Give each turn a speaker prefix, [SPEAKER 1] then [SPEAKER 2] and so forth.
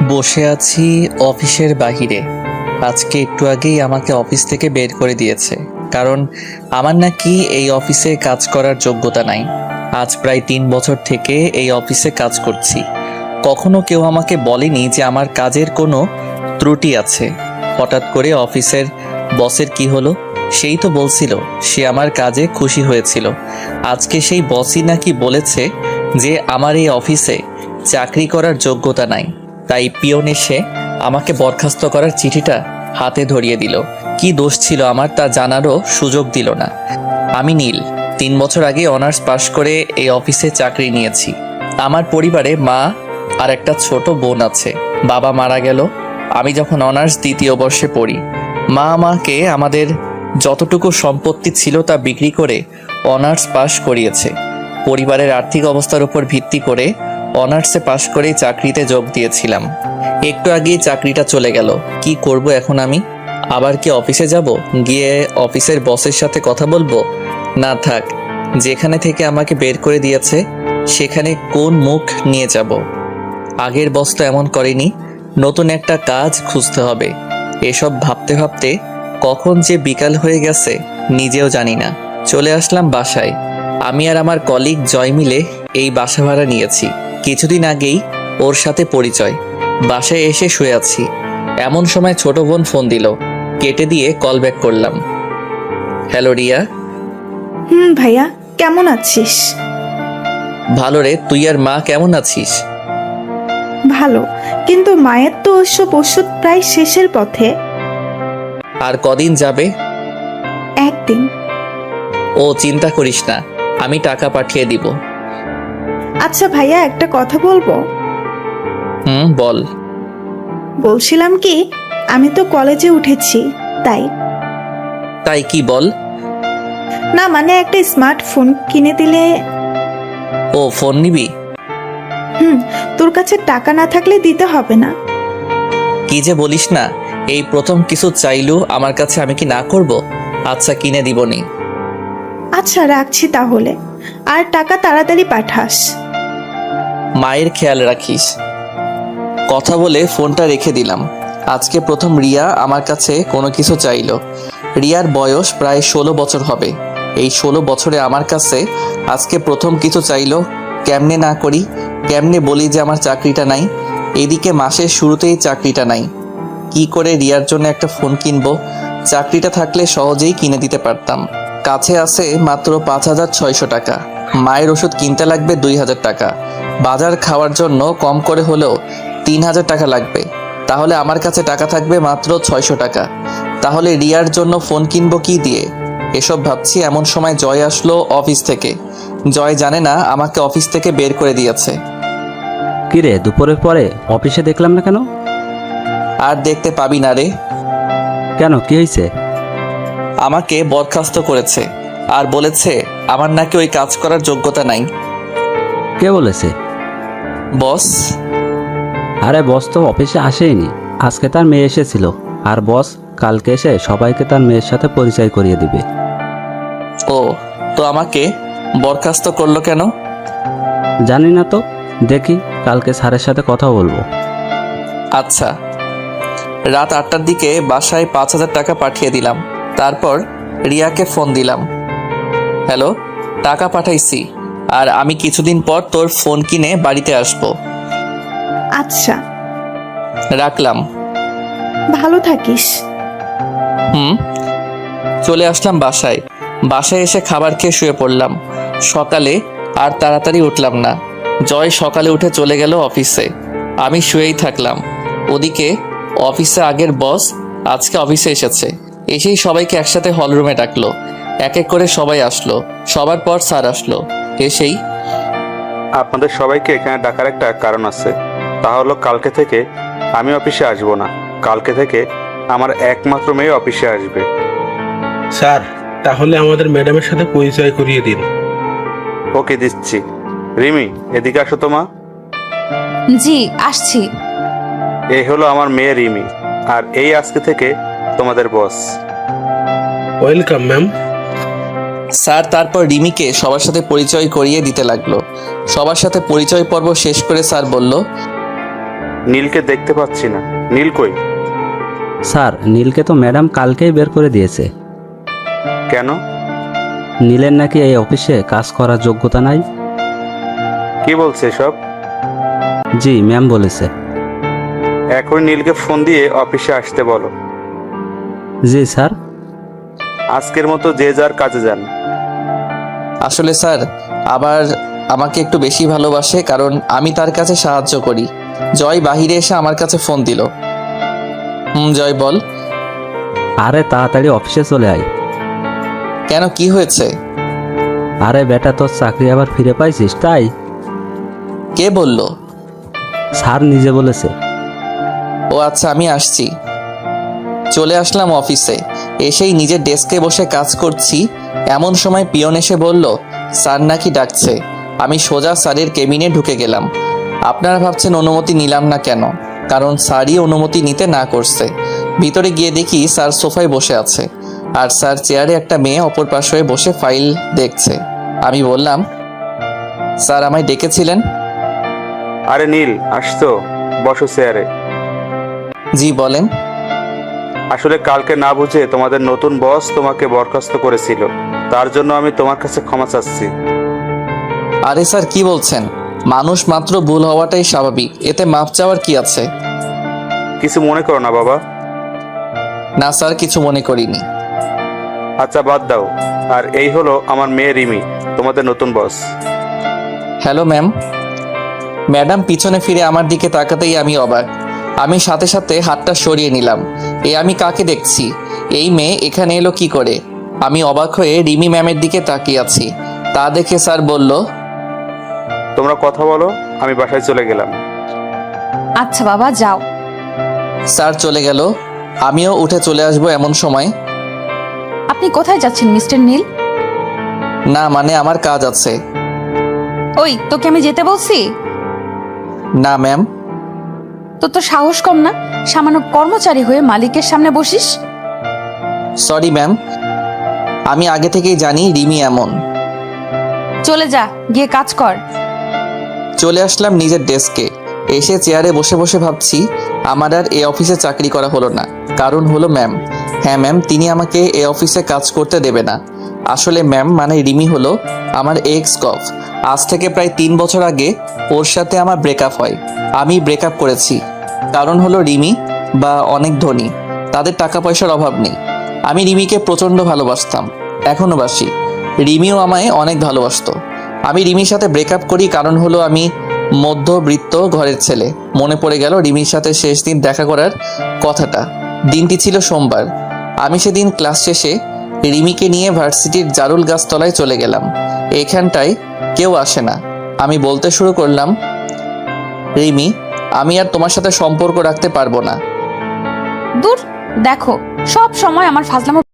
[SPEAKER 1] বসে আছি অফিসের বাহিরে। আজকে একটু আগেই আমাকে অফিস থেকে বের করে দিয়েছে, কারণ আমার নাকি এই অফিসে কাজ করার যোগ্যতা নাই। আজ প্রায় 3 বছর থেকে এই অফিসে কাজ করছি। কখনো কেউ আমাকে বলেনি যে আমার কাজের কোনো ত্রুটি আছে। হঠাৎ করে অফিসের বসের কি হলো, সেই তো বলছিল সে আমার কাজে খুশি হয়েছিল। আজকে সেই বসই নাকি বলেছে যে আমার এই অফিসে চাকরি করার যোগ্যতা নাই। তাই পিয়ন এসে আমাকে বরখাস্ত করার চিঠিটা হাতে ধরিয়ে দিল। কি দোষ ছিল আমার তা জানারও সুযোগ দিল না। আমি নীল, 3 বছর আগে অনার্স পাশ করে এই অফিসে চাকরি নিয়েছি। আমার পরিবারে মা আর একটা ছোট বোন আছে। বাবা মারা গেল আমি যখন অনার্স 2য় বর্ষে পড়ি। মা আমাকে আমাদের যতটুকু সম্পত্তি ছিল তা বিক্রি করে অনার্স পাশ করিয়েছে। পরিবারের আর্থিক অবস্থার উপর ভিত্তি করে অনার্সে পাশ করেই চাকরিতে যোগ দিয়েছিলাম। একটু আগেই চাকরিটা চলে গেল। কি করব এখন আমি? আবার কি অফিসে যাব, গিয়ে অফিসের বসের সাথে কথা বলবো? না থাক, যেখানে থেকে আমাকে বের করে দিয়েছে সেখানে কোন মুখ নিয়ে যাব? আগের বস তো এমন করেনি। নতুন একটা কাজ খুঁজতে হবে। এসব ভাবতে ভাবতে কখন যে বিকাল হয়ে গেছে নিজেও জানি না। চলে আসলাম বাসায়। আমি আর আমার কলিগ জয় মিলে এই বাসা ভাড়া নিয়েছি। কিছুদিন আগেই ওর সাথে পরিচয়। বাসায় এসে শুয়ে আছি, এমন সময় ছোট বোন ফোন দিল। কেটে দিয়ে কল ব্যাক করলাম। হ্যালো রিয়া।
[SPEAKER 2] ভাইয়া, কেমন আছিস?
[SPEAKER 1] ভালো রে, তুই আর মা কেমন আছিস?
[SPEAKER 2] ভালো, কিন্তু মায়ের তো ওসব ওষুধ প্রায় শেষের পথে।
[SPEAKER 1] আর কদিন যাবে?
[SPEAKER 2] একদিন।
[SPEAKER 1] ও চিন্তা করিস না, আমি টাকা পাঠিয়ে দিব।
[SPEAKER 2] আচ্ছা ভাইয়া, একটা কথা বলবো?
[SPEAKER 1] বল।
[SPEAKER 2] বলছিলাম কি, আমি তো কলেজে উঠেছি, তাই।
[SPEAKER 1] তাই কি বল?
[SPEAKER 2] না মানে একটা স্মার্টফোন কিনে দিলে।
[SPEAKER 1] ও ফোন নিবি?
[SPEAKER 2] তোর কাছে টাকা না থাকলে দিতে হবে না।
[SPEAKER 1] কি যে বলিস না, এই প্রথম কিছু চাইলু আমার কাছে, আমি কি না করব? আচ্ছা কিনে দিবনি।
[SPEAKER 2] আচ্ছা রাখছি তাহলে, আর টাকা তাড়াতাড়ি পাঠাস।
[SPEAKER 1] মায়ের খেয়াল রাখিস। কথা বলে ফোনটা রেখে দিলাম। আজকে প্রথম রিয়া আমার কাছে কোনো কিছু চাইলো। রিয়ার বয়স প্রায় 16 বছর হবে। এই 16 বছরে আমার কাছে আজকে প্রথম কিছু চাইলো। কেমনে না করি, কেমনে বলি যে আমার চাকরিটা নাই? এদিকে মাসের শুরুতেই চাকরিটা নাই। কি করে রিয়ার জন্য একটা ফোন কিনবো? চাকরিটা থাকলে সহজেই কিনে দিতে পারতাম। কাছে আছে মাত্র 5,600 টাকা। মায়ের ওষুধ কিনতে লাগবে 2,000 টাকা। বাজার খাওয়ার জন্য কম করে হলেও 3,000 টাকা লাগবে। তাহলে আমার কাছে টাকা থাকবে মাত্র 600 টাকা। তাহলে রিয়ার জন্য ফোন কিনবো কি দিয়ে? এসব ভাবছি এমন সময় জয় আসলো অফিস থেকে। জয় জানে না আমাকে অফিস থেকে বের করে দিয়েছে।
[SPEAKER 3] কিরে, দুপুরের পরে অফিসে দেখলাম না কেন?
[SPEAKER 1] আর দেখতে পাবি না রে।
[SPEAKER 3] কেন, কি হয়েছে?
[SPEAKER 1] আমাকে বরখাস্ত করেছে আর বলেছে আমার নাকি ওই কাজ করার যোগ্যতা নাই।
[SPEAKER 3] কে বলেছে?
[SPEAKER 1] বস।
[SPEAKER 3] আরে বস তো অফিসে আসেইনি, আজকে তার মেয়ে এসেছিল। আর বস কালকে এসে সবাইকে তার মেয়ের সাথে পরিচয় করিয়ে দিবে।
[SPEAKER 1] ও, তো আমাকে বরখাস্ত করলো কেন?
[SPEAKER 3] জানি না তো, দেখি কালকে স্যারের সাথে কথা বলবো।
[SPEAKER 1] আচ্ছা। রাত 8টার দিকে বাসায় 5,000 টাকা পাঠিয়ে দিলাম। তারপর রিয়াকে ফোন দিলাম। হ্যালো, টাকা পাঠাইছি, আর আমি কিছুদিন পর তোর ফোন কিনে বাড়িতে আসবো।
[SPEAKER 2] আচ্ছা,
[SPEAKER 1] রাখলাম।
[SPEAKER 2] ভালো থাকিস।
[SPEAKER 1] চলে আসলাম বাসায়। বাসায় এসে খাবার খেয়ে শুয়ে পড়লাম। সকালে আর তাড়াতাড়ি উঠলাম না। জয় সকালে উঠে চলে গেল অফিসে। আমি শুয়েই থাকলাম। ওদিকে অফিসে আগের বস আজকে অফিসে এসেছে। এসেই সবাইকে একসাথে হলরুমে ডাকলো। এক এক করে সবাই আসলো। সবার পর স্যার আসলো। এসেই,
[SPEAKER 4] আপনাদের সবাইকে এখানে ডাকার একটা কারণ আছে। তা হলো কালকে থেকে আমি অফিসে আসব না। কালকে থেকে আমার একমাত্র মেয়ে অফিসে আসবে।
[SPEAKER 5] স্যার, তাহলে আমাদের ম্যাডামের সাথে পরিচয় করিয়ে দিন।
[SPEAKER 4] ওকে, দিচ্ছি। রিমি, এদিকে আসো তো মা।
[SPEAKER 6] জি আসছি।
[SPEAKER 4] এই হলো আমার মেয়ে রিমি, আর এই আজকে থেকে তোমাদের বস।
[SPEAKER 5] Welcome ma'am.
[SPEAKER 1] স্যার তারপর রিমিকে সবার সাথে পরিচয় করিয়ে দিতে লাগলো। সবার সাথে পরিচয় পর্ব শেষ করে স্যার বলল,
[SPEAKER 4] নীলকে দেখতে পাচ্ছি না। নীল কই?
[SPEAKER 3] স্যার, নীলকে তো ম্যাডাম কালকেই বের করে দিয়েছে।
[SPEAKER 4] কেন?
[SPEAKER 3] নীলের নাকি এই অফিসে কাজ করার যোগ্যতা নাই।
[SPEAKER 4] কি বলছে সব?
[SPEAKER 3] জি, ম্যাম বলেছে।
[SPEAKER 4] এখন নীলকে ফোন দিয়ে অফিসে আসতে বলো।
[SPEAKER 3] জি স্যার।
[SPEAKER 4] আজকের মতো যে যার কাজে যান।
[SPEAKER 1] আসলে স্যার আবার আমাকে একটু বেশি ভালোবাসে, কারণ আমি তার কাছে সাহায্য করি। জয় বাহিরে এসে আমার কাছে ফোন দিল। জয় বল।
[SPEAKER 3] আরে তাড়াতাড়ি অফিসে চলে আয়।
[SPEAKER 1] কেন, কি হয়েছে?
[SPEAKER 3] আরে বেটা, তোর চাকরি আবার ফিরে পাইছিস তাই।
[SPEAKER 1] কে বলল?
[SPEAKER 3] স্যার নিজে বলেছে।
[SPEAKER 1] ও আচ্ছা, আমি আসছি। চলে আসলাম অফিসে। এসেই নিজের ডেস্কে বসে কাজ করছি, এমন সময় পিয়ন এসে বলল স্যার নাকি ডাকছে। আমি সোজা স্যারের কেবিনে ঢুকে গেলাম। আপনারা ভাবছেন অনুমতি নিলাম না কেন? কারণ স্যারই অনুমতি নিতে না করছে। ভিতরে গিয়ে দেখি স্যার সোফায় বসে আছে, আর স্যার চেয়ারে একটা মেয়ে অপর পাশে হয়ে বসে ফাইল দেখছে। আমি বললাম, স্যার আমায় ডেকেছিলেন?
[SPEAKER 4] আরে নীল, আসতো, বসো চেয়ারে।
[SPEAKER 1] জি বলেন।
[SPEAKER 4] আসলে কালকে না বুঝে তোমাদের নতুন বস তোমাকে বরখাস্ত করেছিল, তার জন্য আমি তোমার কাছে ক্ষমা চাচ্ছি।
[SPEAKER 1] আরে স্যার কি বলছেন? মানুষ মাত্র ভুল হওয়াটাই স্বাভাবিক, এতে মাপ চাওয়ার কি আছে?
[SPEAKER 4] কিছু মনে করো না বাবা।
[SPEAKER 1] না স্যার, কিছু মনে করিনি।
[SPEAKER 4] আচ্ছা বাদ দাও। আর এই হলো আমার মেয়ে রিমি, তোমাদের নতুন বস।
[SPEAKER 1] Hello ma'am. ম্যাডাম পিছনে ফিরে আমার দিকে তাকাতেই আমি অবাক। আমি সাথে সাথে হাতটা সরিয়ে নিলাম। আমি কাকে দেখছি? এই মেয়ে এখানে এলো কি করে? আমি অবাক হয়ে রিমি ম্যামের দিকে তাকিয়ে আছি। তা দেখে স্যার বলল,
[SPEAKER 4] তোমরা কথা বলো, আমি বাসায় চলে গেলাম।
[SPEAKER 6] আচ্ছা বাবা, যাও।
[SPEAKER 1] স্যার চলে গেল। আমিও উঠে চলে আসবো এমন সময়।
[SPEAKER 6] আপনি কোথায় যাচ্ছেন মিস্টার নীল?
[SPEAKER 1] না মানে আমার কাজ আছে।
[SPEAKER 6] ওই, তোকে আমি যেতে বলছি?
[SPEAKER 1] না ম্যাম।
[SPEAKER 6] তোর তো সাহস কম না, সামান্য কর্মচারী হয়ে মালিকের সামনে বসিস।
[SPEAKER 1] সরি ম্যাম, আমি আগে থেকেই জানি রিমি এমন।
[SPEAKER 6] চলে যা, গিয়ে কাজ কর।
[SPEAKER 1] চলে আসলাম নিজের ডেস্কে। এসে চেয়ারে বসে বসে ভাবছি আমার আর এই অফিসে চাকরি করা হলো না, কারণ হলো ম্যাম। হ্যাঁ ম্যাম, তিনি আমাকে এই অফিসে কাজ করতে দেবে না। আসলে ম্যাম মানে রিমি হলো আমার এক্স কফ। আজ থেকে প্রায় 3 বছর আগে ওর সাথে আমার ব্রেকআপ হয়। আমি ব্রেকআপ করেছি কারণ হলো রিমি বা অনেক ধনী, তাদের টাকা পয়সার অভাব নেই। আমি রিমিকে প্রচণ্ড ভালোবাসতাম, এখনও বাসি। রিমিও আমায় অনেক ভালোবাসতো। আমি রিমির সাথে ব্রেকআপ করি কারণ হলো আমি মধ্যবিত্ত ঘরের ছেলে। মনে পড়ে গেল রিমির সাথে শেষ দিন দেখা করার কথাটা। দিনটি ছিল সোমবার। আমি সেদিন ক্লাস শেষে রিমিকে নিয়ে ভার্সিটির জারুল গাছতলায় চলে গেলাম। এখানটায় কেউ আসে না। আমি বলতে শুরু করলাম, রিমি, আমি আর তোমার সাথে সম্পর্ক রাখতে পারবো না।
[SPEAKER 6] দূর, দেখো সব সময় আমার ফাজলামো